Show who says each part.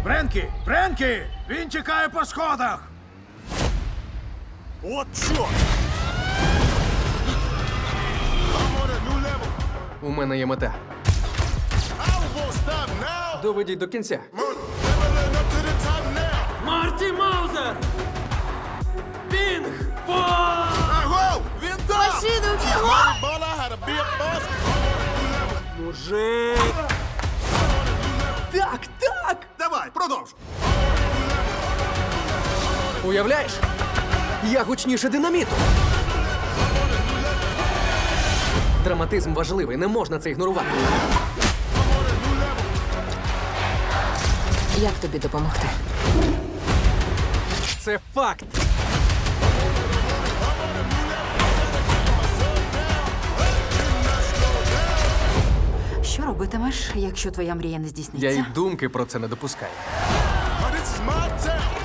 Speaker 1: Френкі! Він тікає по сходах!
Speaker 2: От чорт! I'm on a new level.
Speaker 3: У мене є мета.
Speaker 2: I won't stop now.
Speaker 3: Доведіть до кінця.
Speaker 2: Leveling up to the top now.
Speaker 4: Марті Маузер! Пінг!
Speaker 2: Аго! Він там!
Speaker 5: Машину бігом!
Speaker 2: Baller had a big boss.
Speaker 4: Мужик! Так, так!
Speaker 2: Давай, продовж.
Speaker 3: Уявляєш? Я гучніше динаміту. Драматизм важливий, не можна це ігнорувати.
Speaker 5: Як тобі допомогти?
Speaker 3: Це факт.
Speaker 5: Що робитимеш, якщо твоя мрія не здійсниться?
Speaker 3: Я й думки про це не допускаю.
Speaker 2: This is my town.